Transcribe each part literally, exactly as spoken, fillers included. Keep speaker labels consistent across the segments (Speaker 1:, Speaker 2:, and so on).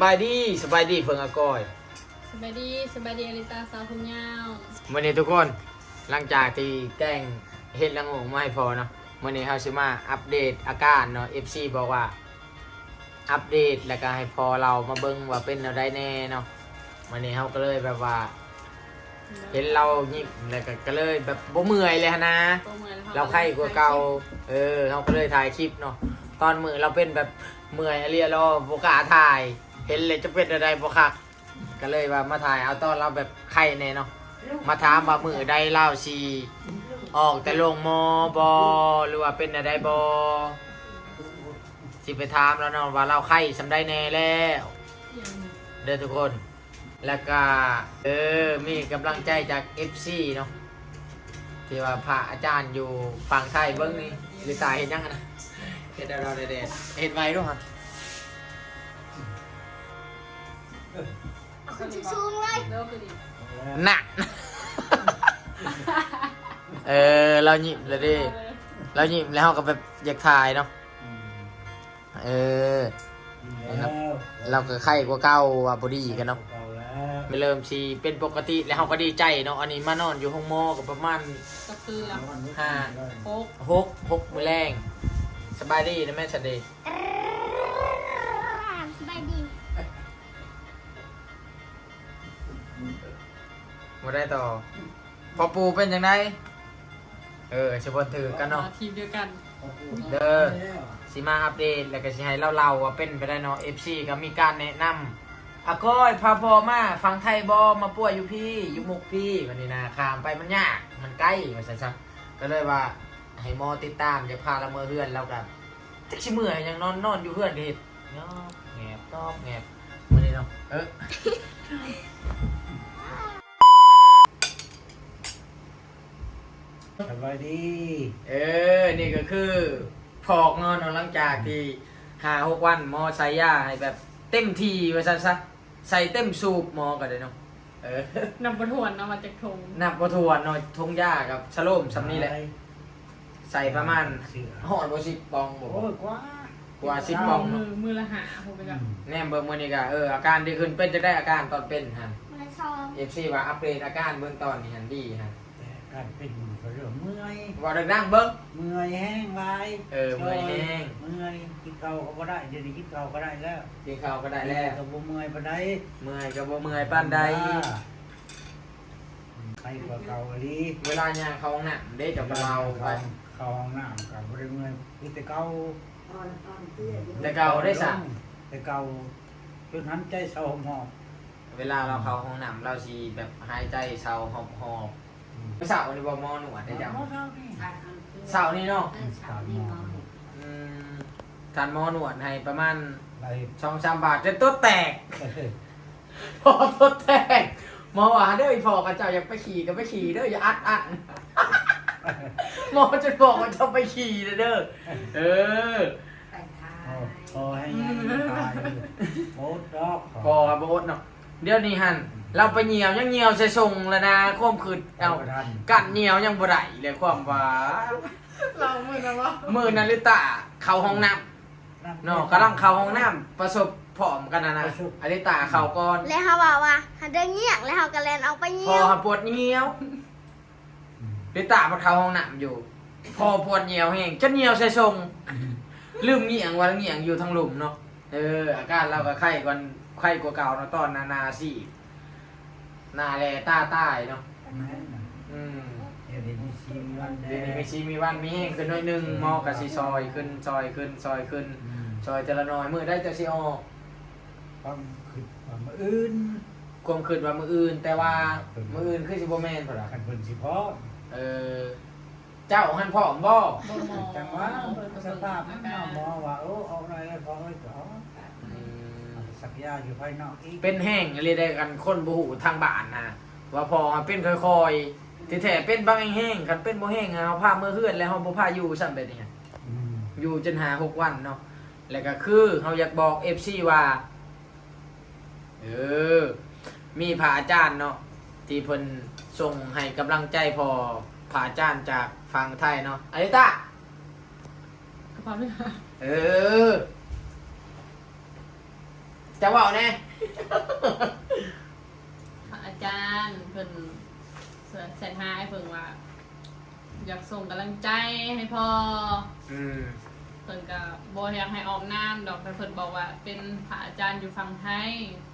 Speaker 1: บายดีสบายดีเพิ่งอากอย
Speaker 2: สบายดีสบายดีอลิตาสาวผมยาว
Speaker 1: วันนี้ทุกคนหลังจากที่แกล้งเฮ็ดละงงมาให้พอเนาะวันนี้เขาสิมาอัปเดตอาการเนาะ เอฟ ซี บอกว่าอัปเดตแล้วก็ให้พอเรามาเบิ่งว่าเป็นอะไรแน่เนาะวันนี้เขาก็เลยแบบว่าเห็นเรายิ้มแล้วก็ก็เลยแบบบ่เมื่อยเลยนะเราไข้กว่าเก่าเออเขาก็เลยถ่ายคลิปเนาะตอนมือเราเป็นแบบเมื่อยอะไรรอบ่กล้าถ่ายเห็นเลยจะเป็นอะไรบ่คักก็เลยว่ามาถ่ายเอาตอนเราแบบไข้แน่เนาะมาถามว่ามือใดเล่าชีออกแต่ลงมอบอหรือว่าเป็นอะไรบอสิไปถามแล้วเนาะว่าเราไข้สำได้แน่แล้วเด้อทุกคนแล้วก็เออมีกำลังใจจาก เอฟ ซี เนาะที่ว่าพระอาจารย์อยู่ฝั่งไทยเบิ้งนี่หรือตายเห็นยังนะเห็นเราเด็ดๆเห็นไว้ด้วยครับ
Speaker 3: คุณชูงเลย
Speaker 1: หนัก เออเราหยิบเลยดิเราหยิบแล้วก็แบบอยากถ่ายเนาะเออเราก็ไข้กว่าเก่าว่าบอดี้กันเนาะไม่เริ่มชีเป็นปกติแล้วเราก็ดีใจเนาะอันนี้มานอนอยู่ห้องหมอกับประมาณ
Speaker 2: ก็คือแล้ว
Speaker 1: ห้า
Speaker 2: หก
Speaker 1: หกหกมือแรงสบายดีนะแม่สดี
Speaker 3: สบายดี
Speaker 1: มาได้ต่อพอปูเป็นยังไงเออชบนถือกันเนาะ
Speaker 2: ทีมเดียวกัน
Speaker 1: เด้อสิมาอัปเดตแล้วก็สิให้เล่าๆว่าเป็นไปได้เนาะ เอฟ ซี ก็มีการแนะนำอาก้อยพาพอมาฟังไทยบอมาป่วยอยู่พี่อยู่มุกพี่วันนี้นะขามไปมันยากมันใกล้มาซะๆก็เลยว่าให้หมอติดตามจะพาละเมอเฮือนแล้วกับจักชิเมื่อยยังนอนนอนอยู่เฮือนเด็ดเนาะแงบตอบแงบวันนี้เนาะเออ
Speaker 4: สบายดี
Speaker 1: เออ นี่ก็คือพอกงอนหลังจากที่หาหกวันหมอใส่ยาให้แบบเต็มทีว่าซะซะใส่เต็มสูบหมอก็ได้เนาะเออน
Speaker 2: ำประทวนเอามาจากทง
Speaker 1: นับประทวนเนาะทงยากับชะโลมสำนี้แหละ ใส่ประมาณหอดบ่สิบปองบ่
Speaker 4: โอ้ยกว่าก
Speaker 1: ว่าสิบปอง
Speaker 2: มื
Speaker 1: เนาะ
Speaker 2: อมือละหาผมไปกับ
Speaker 1: แน่เบิ่งมื้อนี้ก็เอออาการดีขึ้นเป็นจะได้อาการตอนเป็นฮะ
Speaker 3: มาซอง
Speaker 1: เอฟ ซี ว่าอัปเดตอาการเบื้องตอนนี่หันดีฮะ
Speaker 4: แต่การเป็นก็เรื่องเมื่อย
Speaker 1: ว่าดังๆเบิ่ง
Speaker 4: เมื่อยแห้งลาย
Speaker 1: เออเมื่อยแห้ง
Speaker 4: เมื่อยกินข้าวก็ได้เดี๋ยวนี้กินข้าวก็ได้แล้ว
Speaker 1: กินข้าวก็ได้แล้ว
Speaker 4: ก็บ่เมื่อยปานใด
Speaker 1: เมื่อยก็บ่เมื่อยปานใด
Speaker 4: ไปกว่าเก่าอีหลี
Speaker 1: เวลาย่างเข้าห้องน้ำได้จะเบาไป
Speaker 4: เข้าห้องน้ำก็บ่ได้เมื่อยคือแต่เก่า
Speaker 1: แต่เก่าได้สะ
Speaker 4: แต่เก่าจนหันใจเศร้าหมอบ
Speaker 1: เวลาเราเข้าห้องน้ำเราสิแบบหายใจเศร้าหอบหอบเสาร์นี่บ่หมอหนวดได้จัง
Speaker 4: เช้านี่
Speaker 1: เสาร์นี่เนาะ
Speaker 4: ตามหมอ
Speaker 1: อืมทานหมอหนวดให้ประมาณ
Speaker 4: ไป
Speaker 1: สองสามบาทจนตัวแตก พอตัวแตกหมอว่าเด้ออีพอกับเจ้าอยากไปขี่ก็ไปขี่เด้ออย่าอัดอัด หมอจะบอกว่าจะไปขี่เด้อเออ
Speaker 4: พอให้ยังตายโอ๊ตดอก
Speaker 1: พอโบสเนาะเดี๋ยวนี้หันเราไปเหนียวยังเหนียวใส่ทรงแล้วนะความคืดเอากัดเหนียวยังบ่ได้เลยความว่า
Speaker 2: เราเหมือนกันว่า
Speaker 1: มือนาริตะเข้าห้องน้ำเนาะกำลังเข้าห้องน้ำประสบผอมกันนะนะอาริตะเข้าก่อน
Speaker 3: แล้วเขาบอกว่าหันเดินเงียกแล้วเขาก็แลนเอาไป
Speaker 1: พ
Speaker 3: เงี
Speaker 1: อย
Speaker 3: ว
Speaker 1: ปวดเหนียวอาริตะมาเข้าห้องน้ำอยู่ พอปวดเหนียวแห้งจะเหนียวใส่ทรงลืมเหนียงว่าเหนียงอยู่ทางหลุมเนาะเอออาการเราก็ไข้กว่าไข้กว่าเก่าเนาะตอนนานาสิหนาแลตาใต้เนาะอืม
Speaker 4: เดี๋ยวนี้ชีวันแด
Speaker 1: เดี๋ยวนี้
Speaker 4: ง
Speaker 1: มีชีมีวันมีแห้งขึ้นหน่อยหนึงหมอกับซีซอยขึ้นซอยขึ้นซอยขึ้นซอยแต่ละน้อยมือได้จะซีออก
Speaker 4: ความคิดความอื่น
Speaker 1: ความคืนว่ามืออื่น แต่ว่ามืออื่นคือสิบแมนเปล่า
Speaker 4: ขันเป็นสิพ่อ
Speaker 1: เออเจ้าหันพ่อมบ่
Speaker 2: บ่หมอ
Speaker 4: จังหวะสภาพมันเอาหมอว่าโอ้เอาอะไรแล้วพอไว้ก่อน
Speaker 1: อืม
Speaker 4: สักยาอยู่ภายนอกอีก
Speaker 1: เป็นแห้งอะไรได้กันคนบ่หูทางบ้านนะว่าพอเป็นค่อยๆที่แท้เป็นบางแห้งคันเป็นบ่แห้งอะเฮาพามือเฮือนแล้วเฮาบ่พาอยู่ซ้ำแบบนี้
Speaker 4: อืม
Speaker 1: อยู่จนหาหกวันเนาะ แล้วก็คือเราอยากบอก เอฟ ซี ว่า เออ มีพระอาจารย์เนาะที่เพิ่นส่งให้กำลังใจพอพระอาจารย์จากฝั่งไทยเนาะอาริตะ
Speaker 2: กระเพาะด้วย
Speaker 1: เออจะเว่าแน่
Speaker 2: อาจารย์เพิ่นแสนห้าให้เพิ่นว่า อยากส่งกำลังใจให้พ่อ
Speaker 1: อืม
Speaker 2: เพิ่นก็บ่อยากให้ออกน้ำดอกแต่เพิ่นบอกว่า เป็นพระอาจารย์อยู่ฝั่งไทย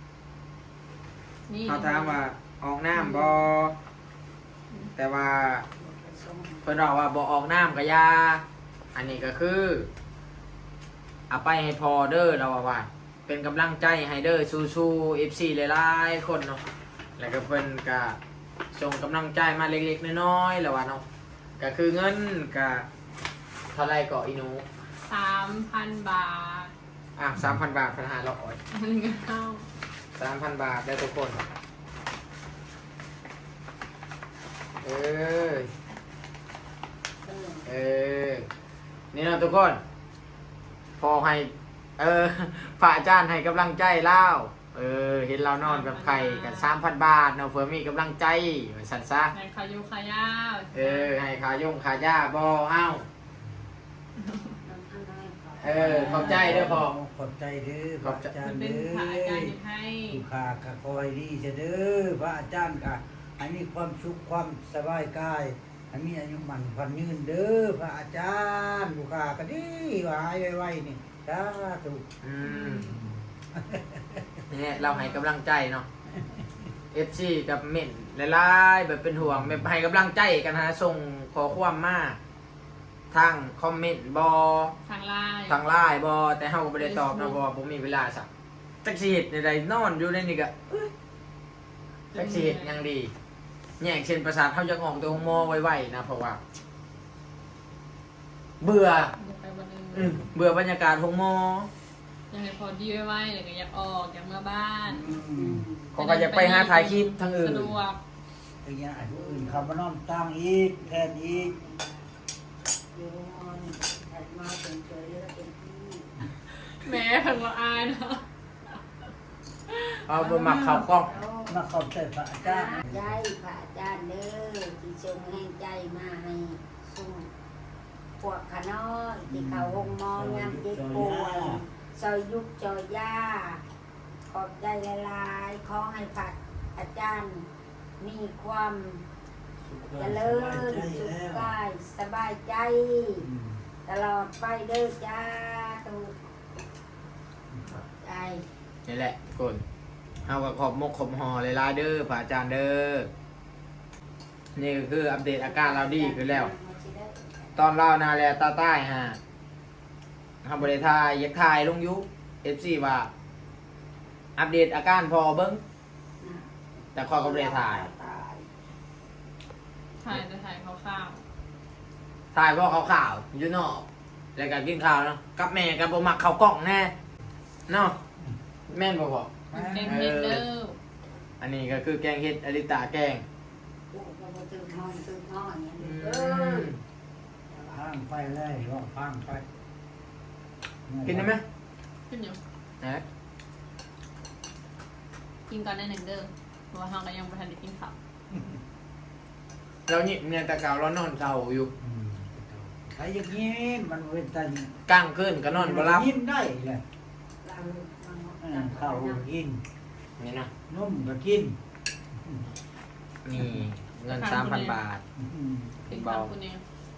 Speaker 2: นี่
Speaker 1: เขาถามว่าออกน้ำบอแต่ว่าเพิ่นบอกว่าบอออกน้ำก็อยาอันนี้ก็คือเอาไปให้พอเด้อเราว่า เป็นกำลังใจให้เด้อสู้ๆเอฟซีหลายๆคนเนาะแล้วก็เพิ่นก็ส่งกำลังใจมาเล็กๆน้อยๆแล้วว่าเนาะก็คือเงินก็เท่าไรก็อีหนู
Speaker 2: สามพันบาท
Speaker 1: อ่ะสามพันบาทพันห้าร้อย
Speaker 2: อันนี้ก็เข้า
Speaker 1: สามพันบาทได้ทุกคน เออ เออ นี่นะทุกคน พอให้ เออพระอาจารย์ให้กำลังใจเล่าเออ เห็นเรานอนกับใครกันสามพันบาทเนาะเพื่อมีกำลังใจสันซะ
Speaker 2: ในขายุขายาว
Speaker 1: เออ ให้ขายงขาย่าบอเอ้า เออ ขอบใจเด้อพ่อ
Speaker 4: ขอบใจเด้อพ
Speaker 1: ข
Speaker 4: ระ
Speaker 1: อบใจ
Speaker 4: อาจาร
Speaker 2: มัน
Speaker 4: ย์
Speaker 2: เป็
Speaker 4: เด้
Speaker 2: น
Speaker 4: อ
Speaker 2: พระอาจารย์อยู่ให้
Speaker 4: ลูกค้าก็คอยดีเสยเด้อพระอาจารย์ก็ให้มีความสุขความสบายกายให้มีอายุมันพันยืนเด้อพระอาจารย์ลูกค้าก็ดีว่าหายไวๆนี่สาธุ
Speaker 1: อืมนี่เราให้กำลังใจเนาะ เอฟซีกับเม่นหลายๆแบบเป็นห่วงแบบให้กำลังใจกันฮะส่งขอความมาทางคอมเมนต์บอ
Speaker 2: ทางไลน์
Speaker 1: ทางไลน์บอแต่เฮาก็บ่ได้ตอบนะบอผมมีเวลาสักจักสิเฮ็ดในใดนอนอยู่ในนี่ก็เอ้ยจักสิเฮ็ดหยังดีแยกเส้นประสาทเฮาจะออกตัวหมอไวๆนะเพราะว่า เบื่อ
Speaker 2: อยากไปวันหนึง
Speaker 1: อืมเบื่อบรรยากาศของหมอ
Speaker 2: อยากให้พอดีไว้ๆเลยก็อยากออกอยากมาบ้าน
Speaker 4: อืม
Speaker 1: เขาก็อยากไปหาถ่ายคลิปทางอื่น
Speaker 2: สะดวก
Speaker 4: อย่างเงี้ยอันอื่นเขามานอนตั้งอีกแทนอีก
Speaker 2: แหม่เพิ่นว่าอายเนาะ
Speaker 1: เอาบ่มักเข้ากล้อง
Speaker 4: มาขอบใจพระอาจารย์
Speaker 5: ได้พระอาจารย์เด้อที่ทรงแห่งใจมาให้ส่งพวกขาน้อยที่เขาวงมองยามเจ็บป่วยซอยยุกจอยย่าขอบใจหลายๆขอให้พระอาจารย์มีความเจริญสุขกายสบายใจ
Speaker 4: อืม
Speaker 5: ตลอดไปเด้อจ้าตุกใจ
Speaker 1: นี่แหละทุกคนเฮาก็ขอบมกขอบหอหลายๆเด้อพระอาจารย์เด้อนี่ก็คืออัปเดตอาการเราดีขึ้นแล้ว ตอนเล่านาแลตาใต้ฮะทำบริทายยักทายลงยุเอฟซีว่า อัปเดตอาการพอเบิ้งแต่ข้อก็บริทาย
Speaker 2: ถ่ายจะถ่ายคร่าว
Speaker 1: ทายเพราะเขาข่าวๆอยู่นอกแล้วก็กินข้าวเนาะกับแม่กับบ่มักข้าวกล้องแน่เนาะแม่นบ่พอ
Speaker 2: ๆมันเป็นเฮ็ดเด้อ
Speaker 1: อันนี้ก็คือแกงเห็ดอริตาแกง
Speaker 5: ตื่นห้องตื่นห้องอย่าง
Speaker 1: อื
Speaker 5: นี้เออ
Speaker 1: ม
Speaker 4: พังไปเลยว่าพังไป
Speaker 1: กินได้ไหม
Speaker 2: ขึ้นอยู่
Speaker 1: นะ
Speaker 2: กินก่อนได้หนึ่งเด้อเพราะว่าเฮาก็ยังบ่ทันได้กินข้าว
Speaker 1: เราหยิบเนี่ยแต่เก่าเรานอนเศร้าอยู่
Speaker 4: อืมใครอย่างนี้มันเป็นตัน
Speaker 1: กลางคืนก็นอนบ่หลับ
Speaker 4: ยิ้มได้เลย
Speaker 5: เรา
Speaker 4: เออข้าวก็กิน
Speaker 1: นี่นะ
Speaker 4: นุ่มก็กิน
Speaker 1: นี่เงินสามพันบาท
Speaker 4: อืม
Speaker 2: กินข้าวคุณเอง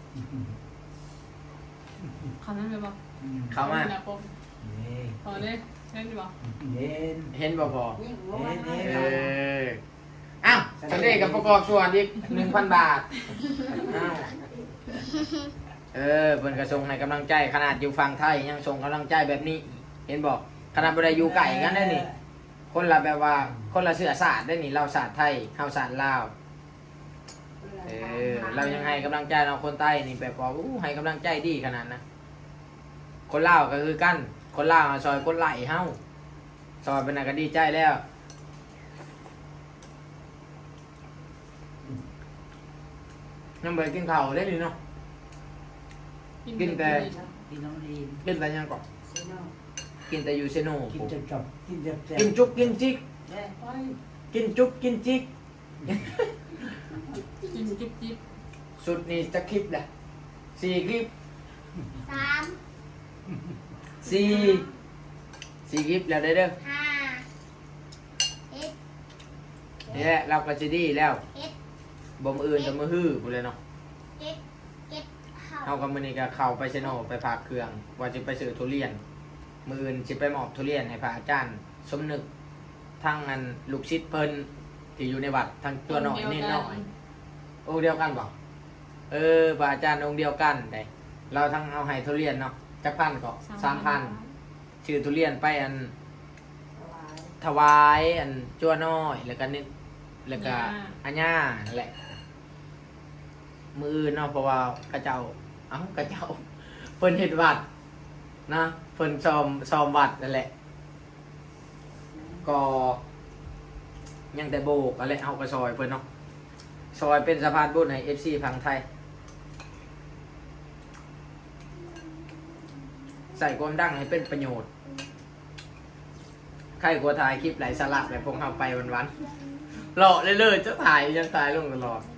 Speaker 2: คำนั้นไปบ่
Speaker 4: อืม
Speaker 1: เข้ามา
Speaker 2: นะผม
Speaker 4: นี่
Speaker 2: พอเลยเล่นดีบ่
Speaker 4: เย็น
Speaker 1: เห็นบ่พอ
Speaker 5: ยิ่งวัว
Speaker 4: เอ๊ะ
Speaker 1: เอ
Speaker 5: เนาะ
Speaker 1: ออ้าวสันเดกับประกอบส่วนอีกหนึ่งพันบาทอ้าวเออเพิ่นก็ส่งให้กำลังใจขนาดอยู่ฝั่งไทยยังส่งกำลังใจแบบนี้ เห็นบอกขนาดบ่ได้อยู่ไกลกันได้นี่ คนละแบบว่าคนละเชื้อชาติได้นี่เราชาติไทยเฮาชาติลาวเออเรายังให้กำลังใจเราคนใต้นี่แบบว่าอู้ให้กำลังใจดีขนาดนะคนลาวก็คือกัน คนลาวซอยคนไหลเฮาซอยเป็นน่ะก็ดีใจแล้วยังบ่ได้กินข้าวได้นี่เนาะ กินแต่
Speaker 4: กินน้ำดี
Speaker 1: กินแต่ยังก่อน
Speaker 5: สิเนาะ
Speaker 1: กินแต่อยู่เซโน
Speaker 4: กินจะจบกินจะแซ่บ
Speaker 1: กินจุกกินจิก
Speaker 5: เด้อไป
Speaker 1: กินจุกกินจิก
Speaker 2: กินจิ๊บจิ๊บ
Speaker 1: สุดนี่จะคลิปแหละสี่คลิป
Speaker 3: สาม
Speaker 1: สี่สี่คลิปแล้วได้อเด้อ
Speaker 3: ห้า
Speaker 1: นี่แหละเราก็จะดีแล้ว
Speaker 3: เฮ็ด
Speaker 1: บ่มออื่นกับมือฮื้อกูเลยเนาะ
Speaker 3: เก็บเก็บข้าว
Speaker 1: เฮากับมื้อนี้ก็เข้าไปเซโนไปฝากเครื่อง ว่าจะไปซื้อทุเรียน มื้ออื่นสิไปมอบทุเรียนให้พระอาจารย์ สมนึกทั้งอันลูกศิษย์เพิ่นที่อยู่ในวัดทั้งตัวน้อยเน้นน้อยองค์เดียวกันบ่เออพระอาจารย์องค์เดียวกันได้เราทั้งเอาให้ทุเรียนเนาะจักพันก็สามพันชื่อทุเรียนไปอัน ถวายอันจั่วน้อยแล้วก็นิดแล้วก็อัญญานั่นแหละ มืออื่นเนาะเพราะว่ากระเจ้าเอ้ากระเจ้าเพิ่นเฮ็ดวัดนะเพิ่นซ้อมซ้อมวัดนั่นแหละ ก็ยังแต่โบกอะไรเอากระซอยเพิ่นเนาะซอยเป็นสะพานบุญให้ เอฟ ซี ฝั่งไทย ใส่ความดังให้เป็นประโยชน์ ใครกลัวถ่ายคลิปไหลสาระแบบพวกเราไปวันๆหล่อเลยเลยจะถ่ายยังถ่ายลงตลอด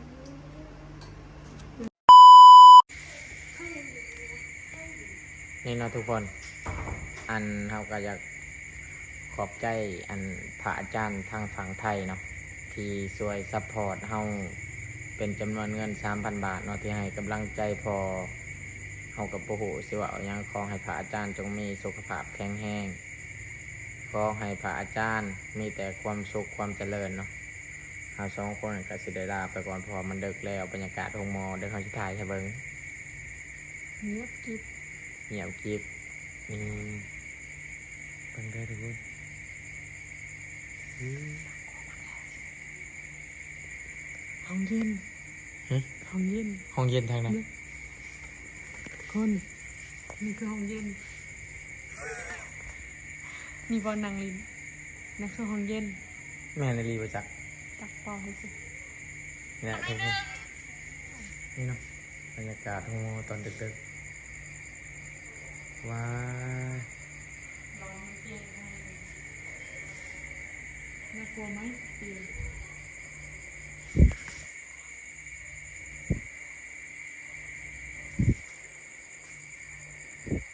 Speaker 1: นี่เนาะทุกคน อันเราก็อยากขอบใจอันพระอาจารย์ทางฝั่งไทยเนาะที่ช่วยซัพพอร์ตเฮาเป็นจำนวนเงิน สามพัน บาทเนาะที่ให้กำลังใจพอเฮากับโอ้โหสิว่าเอาหยังขอให้พระอาจารย์จงมีสุขภาพแข็งแรงขอให้พระอาจารย์มีแต่ความสุขความเจริญเนาะเฮาสองคนก็สิได้ลาไปก่อนเพอมันดึกแล้วบรรยากาศโรงหมอเดี๋ยวเขาสิถ่ายให้เบิ่ง
Speaker 2: เงียบกิ๊บ
Speaker 1: เงียบกริบนี่เบิ่งได้อทุกคนอืม
Speaker 2: ห้องเย็น
Speaker 1: หึ
Speaker 2: ห้องเย็น
Speaker 1: ห้องเย็นทางไหน
Speaker 2: คนนี่คือห้องเย็นมีบอลนางลินนั่นคือห้องเย็น
Speaker 1: แม่นาลีประจักษ์
Speaker 2: ตักปอให้สิ
Speaker 1: นี่แหละทุกคนนี่เนาะบรรยากาศโรงหมอตอนดึกๆว้าย
Speaker 2: น่ากลัวไหมปีน